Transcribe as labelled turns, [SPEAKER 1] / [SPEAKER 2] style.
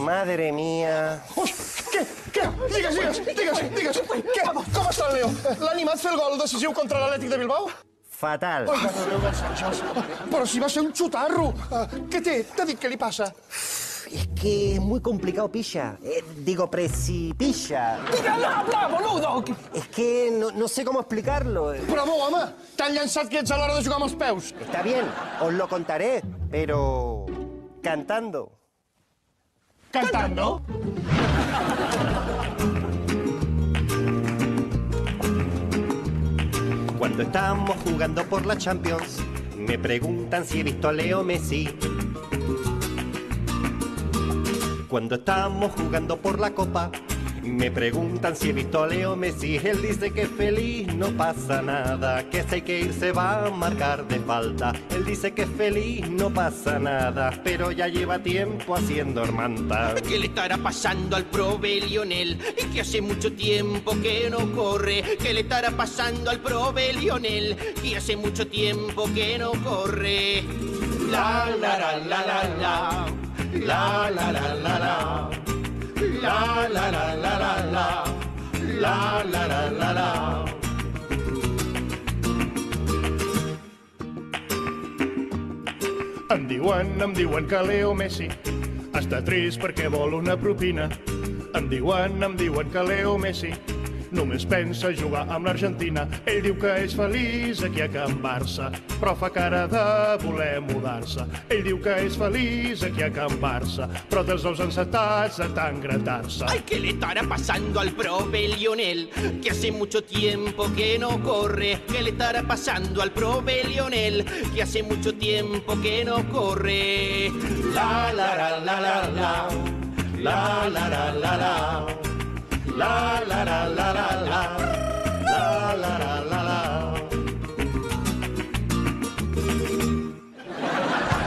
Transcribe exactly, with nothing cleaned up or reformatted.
[SPEAKER 1] Madre mía.
[SPEAKER 2] Ui, què? Què? Digues, digues, digues, digues. Què? Com està el Leo? L'ha animat fer el gol decisiu contra l'Atlètic de Bilbao?
[SPEAKER 1] Fatal.
[SPEAKER 2] Ai, mare de Déu, dels àngels. Però si va ser un xutarro. Què té? T'ha dit què li passa?
[SPEAKER 1] Es que es muy complicado, pilla. Eh, digo, precipilla.
[SPEAKER 2] Digue-la, habla, boludo!
[SPEAKER 1] Es que no, no sé cómo explicarlo.
[SPEAKER 2] Bravo, home! T'han llançat que ets a l'hora de jugar amb els peus.
[SPEAKER 1] Está bien, os lo contaré, pero cantando.
[SPEAKER 2] ¿Cantando?
[SPEAKER 1] Cuando estamos jugando por la Champions, me preguntan si he visto a Leo Messi. Cuando estamos jugando por la Copa, me preguntan si he visto a Leo Messi. Él dice que es feliz, no pasa nada, que si hay que ir se va a marcar de falta. Él dice que es feliz, no pasa nada, pero ya lleva tiempo haciendo hermanta.
[SPEAKER 3] ¿Qué le estará pasando al probe Lionel? Que hace mucho tiempo que no corre. ¿Qué le estará pasando al probe Lionel? Que hace mucho tiempo que no corre. La la la la la la. La la la la la. La la la la la la. La la la la la.
[SPEAKER 2] Em diuen, em diuen que Leo Messi està trist perquè vol una propina. Em diuen, em diuen que Leo Messi només pensa jugar amb l'Argentina. Ell diu que és feliç aquí a Can Barça, però fa cara de voler mudar-se. Ell diu que és feliç aquí a Can Barça, però dels ous encetats de tant gratar-se.
[SPEAKER 3] Ay, ¿qué le estará pasando al probe Lionel? Que hace mucho tiempo que no corre. ¿Qué le estará pasando al probe Lionel? Que hace mucho tiempo que no corre. La la la la la la. La la la la la. La la la la la.